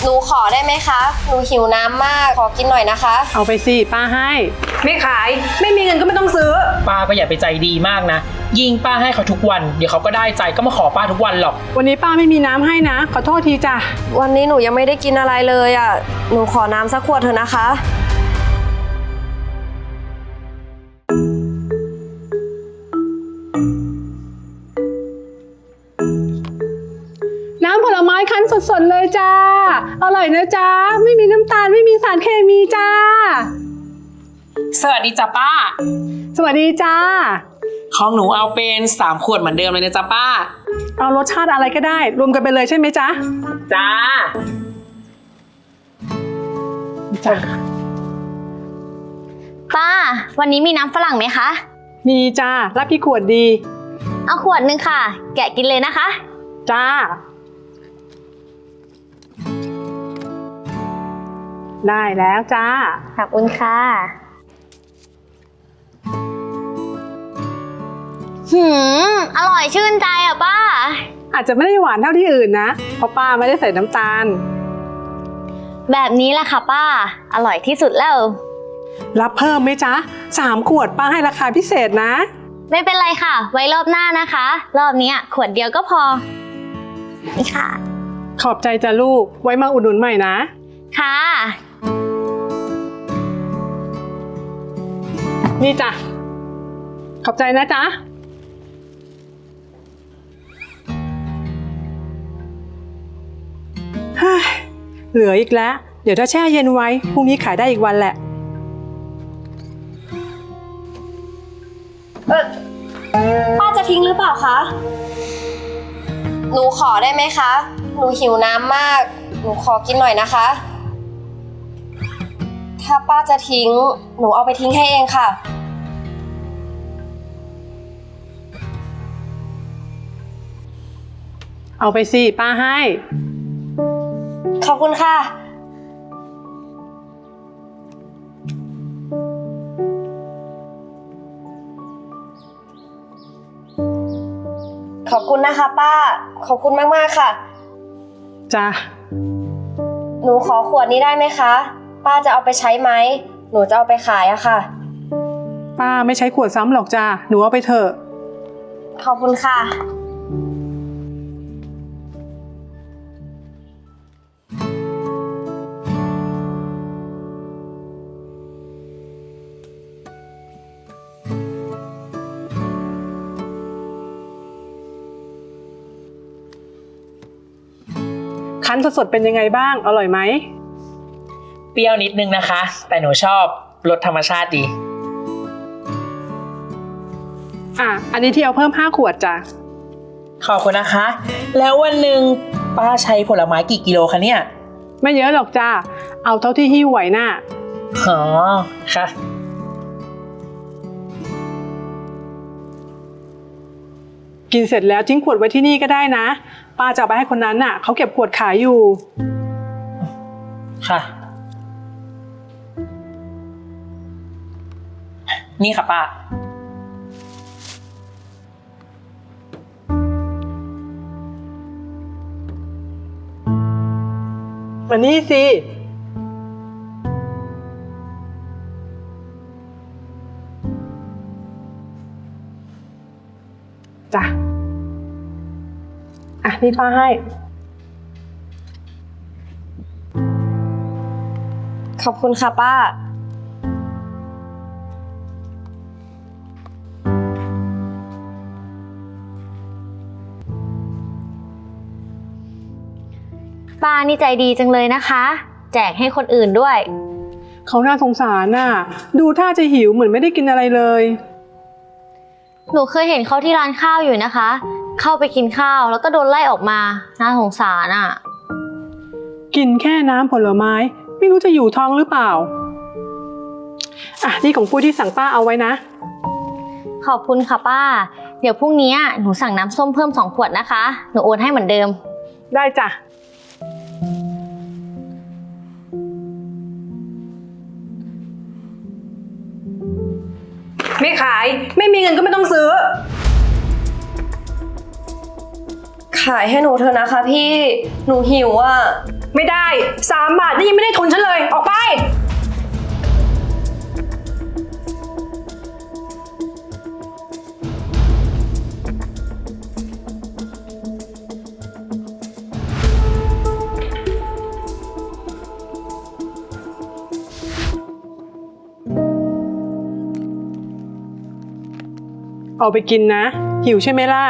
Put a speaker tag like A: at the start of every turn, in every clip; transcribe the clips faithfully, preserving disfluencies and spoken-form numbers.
A: หนูขอได้ไหมคะหนูหิวน้ำมากขอกินหน่อยนะคะ
B: เอาไปสิป้าให้
C: ไม่ขายไม่มีเงินก็ไม่ต้องซื้อ
D: ป้าก็อย่าไปใจดีมากนะยิ่งป้าให้เขาทุกวันเดี๋ยวเขาก็ได้ใจก็มาขอป้าทุกวันหรอก
B: วันนี้ป้าไม่มีน้ำให้นะขอโทษทีจ้ะ
A: วันนี้หนูยังไม่ได้กินอะไรเลยอ่ะหนูขอน้ำสักขวดเถอะนะคะ
B: น้ำผลไม้คั้นสดๆเลยจ้าอร่อยนะจ้าไม่มีน้ำตาลไม่มีสารเคมีจ้า
D: สวัสดีจ้ะป้า
B: สวัสดีจ้า
D: ของหนูเอาเป็นสามขวดเหมือนเดิมเลยนะจ๊ะป้า
B: เอารสชาติอะไรก็ได้รวมกันไปเลยใช่ไหมจ๊ะ
D: จ้า
B: จ้า
E: ป้าวันนี้มีน้ำฝรั่งไหมคะ
B: มีจ้ารับกี่ขวดดี
E: เอาขวดนึงค่ะแกะกินเลยนะคะ
B: จ้าได้แล้วจ้า
E: ขอบคุณค่ะหืมอร่อยชื่นใจอ่ะป้า
B: อาจจะไม่ได้หวานเท่าที่อื่นนะเพราะป้าไม่ได้ใส่น้ำตาล
E: แบบนี้แหละค่ะป้าอร่อยที่สุดแล้ว
B: รับเพิ่มไหมจ๊ะสามขวดป้าให้ราคาพิเศษนะ
E: ไม่เป็นไรค่ะไว้รอบหน้านะคะรอบนี้ขวดเดียวก็พอนี่ค่ะ
B: ขอบใจจ้ะลูกไว้มาอุดหนุนใหม่นะ
E: ค่ะ
B: นี่จ้ะขอบใจนะจ๊ะเหลืออีกแล้วเดี๋ยวถ้าแช่เย็นไว้พรุ่งนี้ขายได้อีกวันแหละ
A: เออป้าจะทิ้งหรือเปล่าคะหนูขอได้ไหมคะหนูหิวน้ำมากหนูขอกินหน่อยนะคะถ้าป้าจะทิ้งหนูเอาไปทิ้งให้เองค่ะ
B: เอาไปสิป้าให้
A: ขอบคุณค่ะขอบคุณนะคะป้าขอบคุณมากๆค่ะ
B: จ้ะ
A: หนูขอขวดนี้ได้ไหมคะป้าจะเอาไปใช้ไหมหนูจะเอาไปขายอะค่ะ
B: ป้าไม่ใช้ขวดซ้ำหรอกจ้ะหนูเอาไปเถอะ
A: ขอบคุณค่ะ
B: คั้นสดๆเป็นยังไงบ้างอร่อยไหม
D: เปรี้ยวนิดนึงนะคะแต่หนูชอบรสธรรมชาติดี
B: อ่ะอันนี้ที่เอาเพิ่มห้าขวดจ้ะ
D: ขอบคุณนะคะแล้ววันหนึ่งป้าใช้ผลไม้กี่กิโลคะเนี่ย
B: ไม่เยอะหรอกจ้ะเอาเท่าที่หิ้วไหวน่ะ
D: อ๋อค่ะ
B: กินเสร็จแล้วทิ้งขวดไว้ที่นี่ก็ได้นะป้าจะเอาไปให้คนนั้นน่ะเขาเก็บขวดขายอยู่
D: ค่ะนี่ค่ะป้า
B: มานี่สิจ้ะอ่ะนี่ป้าให้
A: ขอบคุณค่ะป้า
E: ป้านี่ใจดีจังเลยนะคะแจกให้คนอื่นด้วย
B: เขาน่าสงสารน่ะดูท่าจะหิวเหมือนไม่ได้กินอะไรเลย
E: หนูเคยเห็นเขาที่ร้านข้าวอยู่นะคะเข้าไปกินข้าวแล้วก็โดนไล่ออกมาน่าสงสารอ่ะ
B: กินแค่น้ำผลไม้ไม่รู้จะอยู่ท้องหรือเปล่าอ่ะนี่ของปุ้ยที่สั่งป้าเอาไว้นะ
E: ขอบคุณค่ะป้าเดี๋ยวพรุ่งนี้หนูสั่งน้ำส้มเพิ่มสองขวดนะคะหนูโอนให้เหมือนเดิม
B: ได้จ้ะ
C: ไม่ขายไม่มีเงินก็ไม่ต้องซื้อ
A: ขายให้หนูเถอะนะคะพี่หนูหิวอ่ะ
C: ไม่ได้สามบาทนี่ยังไม่ได้ทุนฉันเลย ออกไป
B: เอาไปกินนะ หิวใช่ไหมล่ะ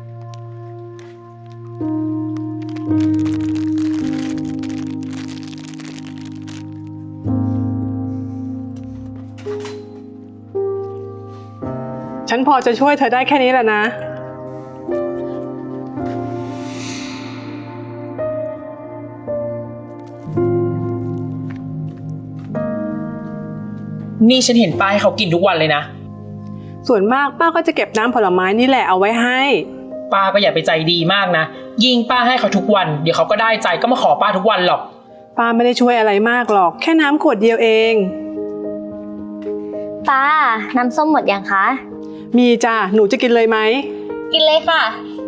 B: ฉันพอจะช่วยเธอได้แค่นี้แหละนะ
D: นี่ฉันเห็นป้าให้เขากินทุกวันเลยนะ
B: ส่วนมากป้าก็จะเก็บน้ำผลไม้นี่แหละเอาไว้ให้
D: ป้าก็อย่าไปใจดีมากนะ ยิ่งป้าให้เขาทุกวัน เดี๋ยวเขาก็ได้ใจก็มาขอป้าทุกวันหรอก
B: ป้าไม่ได้ช่วยอะไรมากหรอก แค่น้ำขวดเดียวเอง
E: ป้า น้ำส้มหมดยังคะ
B: มีจ้ะ หนูจะกินเลยไหม
E: กินเลยค่ะ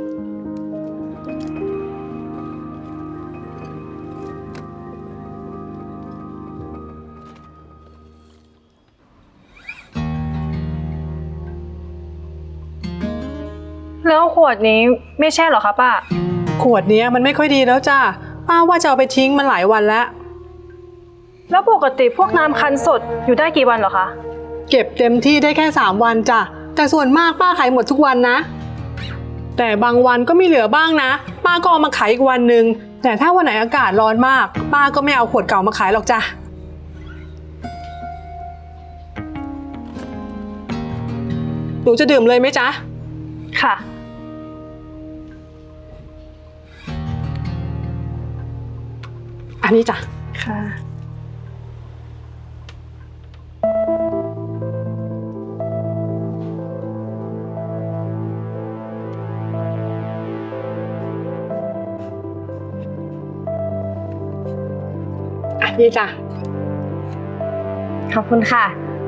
C: แล้วขวดนี้ไม่แช่เหรอคะป้า
B: ขวดเนี้ยมันไม่ค่อยดีแล้วจ้ะ ป้าว่าจะเอาไปทิ้งมันหลายวันแล้ว
C: แล้วปกติพวกน้ำคั้นสดอยู่ได้กี่วันเหรอคะ
B: เก็บเต็มที่ได้แค่สามวันจ้ะ แต่ส่วนมากป้าขายหมดทุกวันนะ แต่บางวันก็มีเหลือบ้างนะ ป้าก็เอามาขายอีกวันหนึ่ง แต่ถ้าวันไหนอากาศร้อนมาก ป้าก็ไม่เอาขวดเก่ามาขายหรอกจ้ะ หนูจะดื่มเลยไหมจ๊ะ
C: ค่ะ
B: อันนี้จ้ะ
C: ค่ะ
B: อันนี้จ้ะ
E: ขอบคุณค่ะ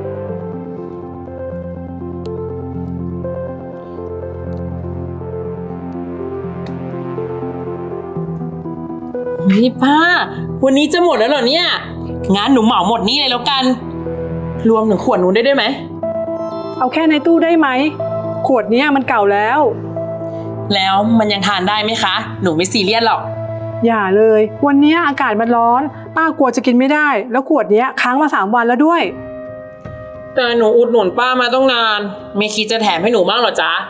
D: เฮ้ยป้า วันนี้จะหมดแล้วเหรอเนี่ยงั้นหนูเหมาหมดนี่เลยแล้วกัน รวมถึงขวดหนูได้ด้วยไหม
B: เอาแค่ในตู้ได้ไหม ขวดเนี้ยมันเก่าแล้ว
D: แล้วมันยังทานได้ไหมคะ หนูไม่ซีเรียสหรอก
B: อย่าเลย วันเนี้ยอากาศมันร้อน ป้ากลัวจะกินไม่ได้ แล้วขวดเนี้ยค้างมาสามวันแล้วด้วย
D: แต่หนูอุดหนุนป้ามาต้องนาน ไม่คิดจะแถมให้หนูบ้างเหรอจ๊ะ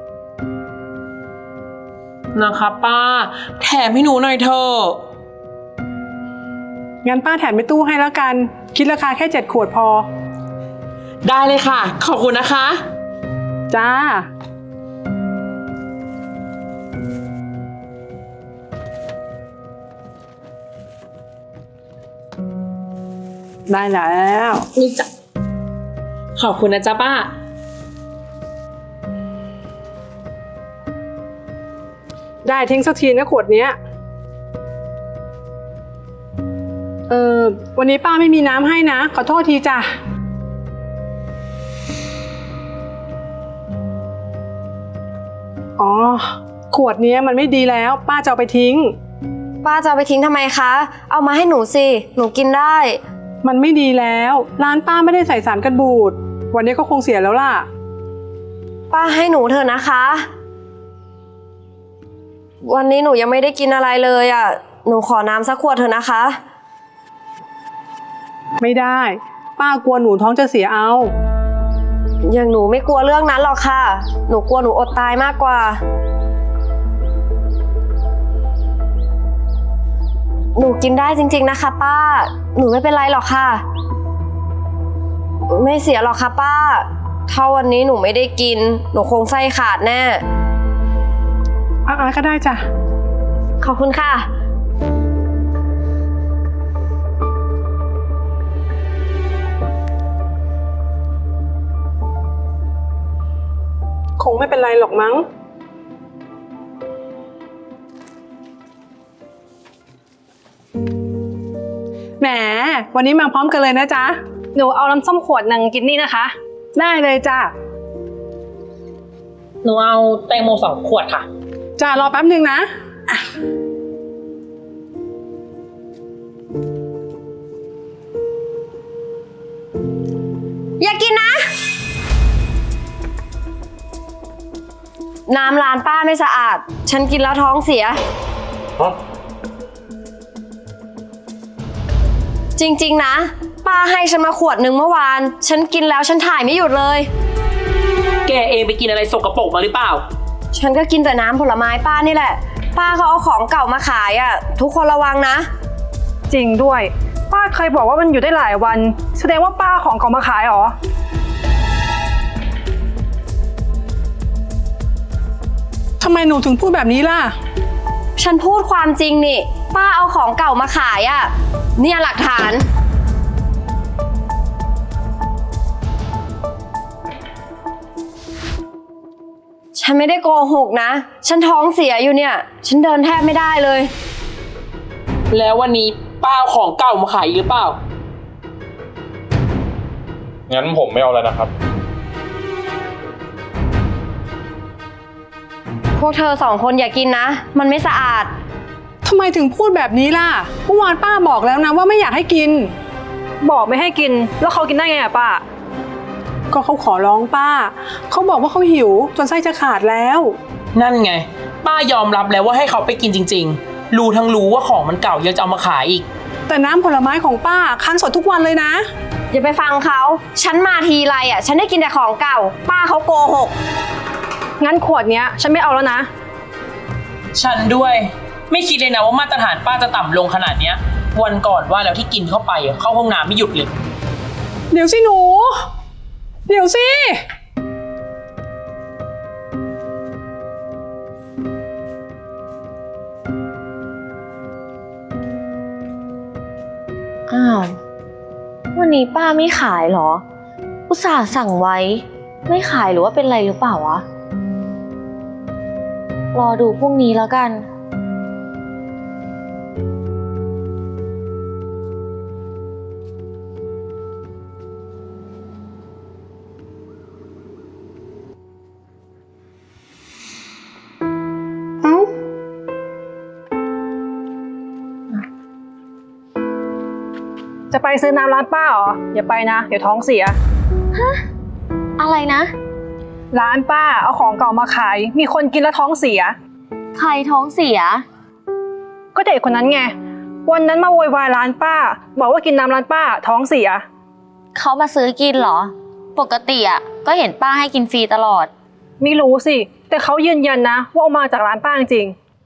D: นะคะป้า แถมให้หนูหน่อยเถอะ
B: งั้นป้าแถมไปตู้ให้แล้วกัน คิดราคาแค่เจ็ดขวดพอ
D: ได้เลยค่ะ ขอบคุณนะคะ
B: จ้า ได้แล้ว
D: นี่จ้ะขอบคุณนะจ๊ะป้า
B: ได้ทิ้งสักทีนะขวดเนี้ย เออวันนี้ป้าไม่มีน้ำให้นะ ขอโทษทีจ้ะ อ๋อ ขวดเนี้ยมันไม่ดีแล้ว ป้าจะเอาไปทิ้ง
A: ป้าจะเอาไปทิ้งทำไมคะ เอามาให้หนูสิ หนูกินได้
B: มันไม่ดีแล้ว ร้านป้าไม่ได้ใส่สารกันบูด วันนี้ก็คงเสียแล้วล่ะ
A: ป้าให้หนูเถอะนะคะ วันนี้หนูยังไม่ได้กินอะไรเลยอ่ะ หนูขอน้ำสักขวดเถอะนะคะ
B: ไม่ได้ ป้ากลัวหนูท้องจะเสียเอา
A: อย่างหนูไม่กลัวเรื่องนั้นหรอกค่ะ หนูกลัวหนูอดตายมากกว่า หนูกินได้จริงๆนะคะป้า หนูไม่เป็นไรหรอกค่ะ ไม่เสียหรอกค่ะป้า ถ้าวันนี้หนูไม่ได้กิน หนูคงไส้ขาดแน่
B: อ่ะๆก็ได้จ้ะ
A: ขอบคุณค่ะ
B: คงไม่เป็นไรหรอกมั้ง แหม วันนี้มาพร้อมกันเลยนะจ๊ะ
C: หนูเอาน้ำส้มขวดหนึ่งกินนี่นะคะ
B: ได้เลยจ้ะ
D: หนูเอาแตงโมสองขวดค่ะ
B: จ้ะรอแป๊บหนึ่งนะ
A: อย่ากินนะ น้ำร้านป้าไม่สะอาด ฉันกินแล้วท้องเสีย
F: ฮะ
A: จริงๆนะ ป้าให้ฉันมาขวดหนึ่งเมื่อวาน ฉันกินแล้วฉันถ่ายไม่หยุดเลย
D: แกเองไปกินอะไรสกปรกมาหรือเปล่า
A: ฉันก็กินแต่น้ำผลไม้ป้านี่แหละ ป้าเขาเอาของเก่ามาขายอ่ะ ทุกคนระวังนะ
C: จริงด้วย ป้าเคยบอกว่ามันอยู่ได้หลายวัน แสดงว่าป้าของเก่ามาขายเหรอ
B: ทำไมหนูถึงพูดแบบนี้ล่ะ
A: ฉันพูดความจริงนี่ ป้าเอาของเก่ามาขายอ่ะ เนี่ยหลักฐาน ฉันไม่ได้โกหกนะ ฉันท้องเสียอยู่เนี่ย ฉันเดินแทบไม่ได้เลย
D: แล้ววันนี้ป้าเอาของเก่ามาขายอีกหรือเปล่า
F: งั้นผมไม่เอาแล้วนะครับ
A: พวกเธอสองคนอย่ากินนะ มันไม่สะอาด
B: ทำไมถึงพูดแบบนี้ล่ะ เมื่อวานป้าบอกแล้วนะว่าไม่อยากให้กิน
C: บอกไม่ให้กิน แล้วเขากินได้ไงอะป้า
B: ก็เขาขอร้องป้า เขาบอกว่าเขาหิวจนไส้จะขาดแล้ว
D: นั่นไง ป้ายอมรับแล้วว่าให้เขาไปกินจริงๆ รู้ทั้งรู้ว่าของมันเก่ายังจะเอามาขายอีก
B: แต่น้ำผลไม้ของป้าคั้นสดทุกวันเลยนะ
A: อย่าไปฟังเขา ฉันมาทีไรอ่ะ ฉันได้กินแต่ของเก่า ป้าเขาโกหก
C: งั้นขวดเนี้ยฉันไม่เอาแล้วนะ
D: ฉันด้วย ไม่คิดเลยนะว่ามาตรฐานป้าจะต่ำลงขนาดเนี้ย วันก่อนว่าแล้วที่กินเข้าไปอะเข้าห้องน้ำไม่หยุดเลย
B: เดี๋ยวสิหนู เดี๋ยวสิ
E: อ้าว วันนี้ป้าไม่ขายเหรอ อุตส่าห์สั่งไว้ ไม่ขายหรือว่าเป็นไรหรือเปล่าวะ รอดูพรุ่งนี้แล้วกัน
B: เอ้า
C: จะไปซื้อน้ำร้านป้าเหรอ อย่าไปนะ เดี๋ยวท้องเสีย
E: อะไรนะ
C: ร้านป้าเอาของเก่ามาขาย มีคนกินแล้วท้องเสีย
E: ใครท้องเสีย
C: ก็เด็กคนนั้นไง วันนั้นมาโวยวายร้านป้า บอกว่ากินน้ำร้านป้าท้องเสีย
E: เขามาซื้อกินเหรอ ปกติอ่ะก็เห็นป้าให้กินฟรีตลอด
C: ไม่รู้สิ แต่เขายืนยันนะว่าเอามาจากร้านป้าจริง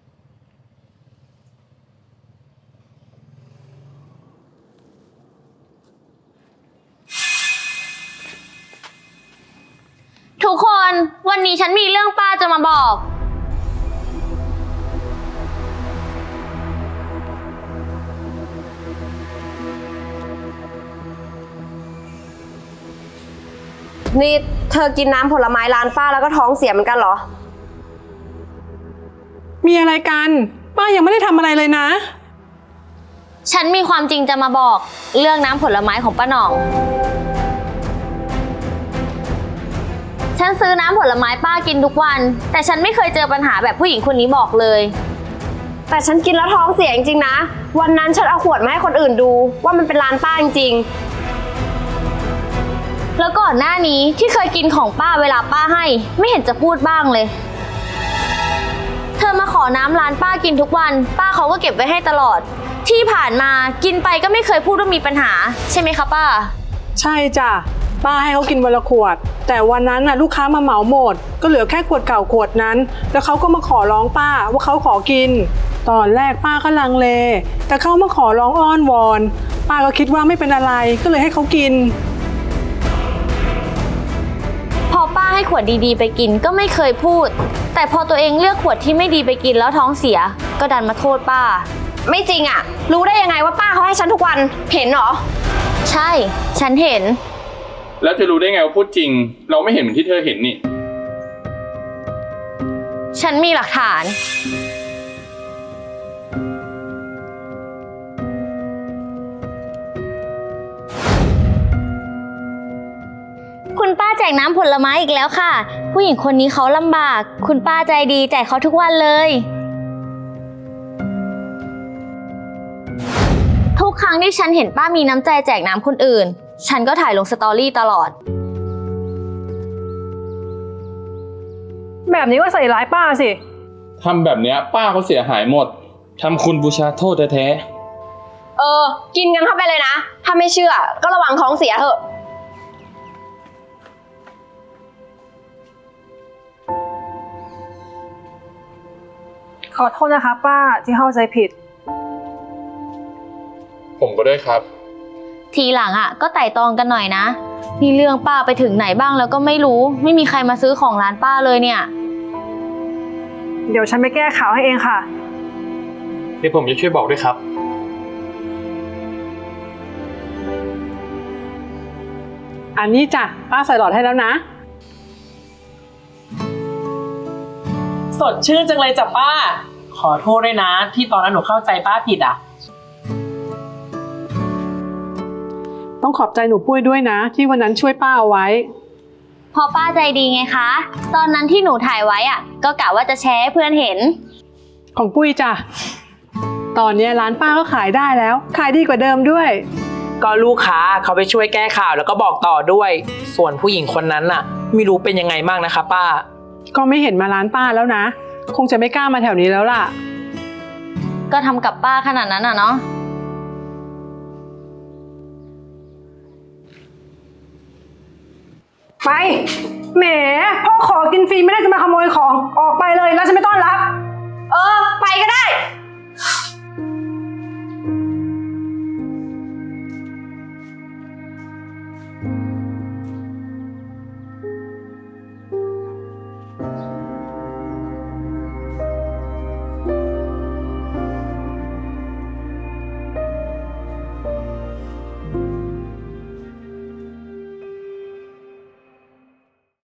E: ทุกคนวันนี้ฉันมีเรื่องป้าจะมาบอก
A: นี่เธอกินน้ำผลไม้ร้านป้าแล้วก็ท้องเสียเหมือนกันเหรอ
B: มีอะไรกัน ป้ายังไม่ได้ทำอะไรเลยนะ
E: ฉันมีความจริงจะมาบอกเรื่องน้ำผลไม้ของป้าหน่อง ฉันซื้อน้ำผลไม้ป้ากินทุกวัน แต่ฉันไม่เคยเจอปัญหาแบบผู้หญิงคนนี้บอกเลย
A: แต่ฉันกินแล้วท้องเสียจริงๆนะ วันนั้นฉันเอาขวดมาให้คนอื่นดูว่ามันเป็นร้านป้าจริง
E: แล้วก่อนหน้านี้ที่เคยกินของป้าเวลาป้าให้ ไม่เห็นจะพูดบ้างเลย เธอมาขอน้ำร้านป้ากินทุกวัน ป้าเขาก็เก็บไว้ให้ตลอด ที่ผ่านมากินไปก็ไม่เคยพูดว่ามีปัญหา ใช่ไหมคะป้า
B: ใช่จ้ะ ป้าให้เขากินวันละขวด แต่วันนั้นน่ะลูกค้ามาเหมาหมด ก็เหลือแค่ขวดเก่าขวดนั้น แล้วเขาก็มาขอร้องป้าว่าเขาขอกิน ตอนแรกป้าก็ลังเล แต่เขามาขอร้องอ้อนวอน ป้าก็คิดว่าไม่เป็นอะไร ก็เลยให้เขากิน
E: พอป้าให้ขวดดีๆไปกินก็ไม่เคยพูด แต่พอตัวเองเลือกขวดที่ไม่ดีไปกินแล้วท้องเสีย ก็ดันมาโทษป้า
A: ๆ ไม่จริงอะรู้ได้ยังไงว่าป้าเขาให้ฉันทุกวัน เห็นเหรอ
E: ใช่ ฉันเห็น
F: แล้วจะรู้ได้ไงว่าพูดจริง เราไม่เห็นเหมือนที่เธอเห็นนี่
E: ฉันมีหลักฐาน คุณป้าแจกน้ำผลไม้อีกแล้วค่ะ ผู้หญิงคนนี้เขาลำบาก คุณป้าใจดีแจกเขาทุกวันเลย ทุกรั้งที่ฉันเห็นป้ามีน้ำใจแจกน้ำคนอื่น ฉันก็ถ่ายลงสตอรี่ตลอด
C: แบบนี้ก็ใส่ร้ายป้าสิ
F: ทำแบบเนี้ยป้าเขาเสียหายหมดทำคุณบูชาโทษแท้
A: เออ กินกันเข้าไปเลยนะ ถ้าไม่เชื่อ ก็ระวังท้องเสียเถอะ
C: ขอโทษนะคะ ป้าที่เข้าใจผิด
F: ๆผมก็ด้วยครับ
E: ทีหลังอ่ะก็ไต่ตองกันหน่อยนะนี่เรื่องป้าไปถึงไหนบ้างแล้วก็ไม่รู้ ไม่มีใครมาซื้อของร้านป้าเลยเนี่ย
C: เดี๋ยวฉันไปแก้ข่าวให้เองค่ะ
G: เดี๋ยวผมจะช่วยบอกด้วยครับ
B: อันนี้จ้ะป้าใส่หลอดให้แล้วนะ
D: สดชื่นจังเลยจ้ะป้า ขอโทษด้วยนะ ที่ตอนนั้นหนูเข้าใจป้าผิดอ่ะ
B: ต้องขอบใจหนูปุ้ยด้วยนะ ที่วันนั้นช่วยป้าเอาไว้
E: พอป้าใจดีไงคะ ตอนนั้นที่หนูถ่ายไว้อ่ะ ก็กะว่าจะแชร์ให้เพื่อนเห็น
B: ของปุ้ยจ้ะตอนเนี้ยร้านป้าก็ขายได้แล้ว ขายดีกว่าเดิมด้วย
D: ก็ลูกค้าเขาไปช่วยแก้ข่าวแล้วก็บอกต่อด้วย ส่วนผู้หญิงคนนั้นน่ะ ไม่รู้เป็นยังไงบ้างนะคะป้า
B: ก็ไม่เห็นมาร้านป้าแล้วนะ คงจะไม่กล้ามาแถวนี้แล้วล่ะ
E: ก็ทำกับป้าขนาดนั้นอ่ะเนาะ
C: ไป แหม พ่อขอกินฟรีไม่ได้จะมาขโมยของ ออกไปเลยแล้วฉันไม่ต้อนรับ
A: เออ ไปก็ได้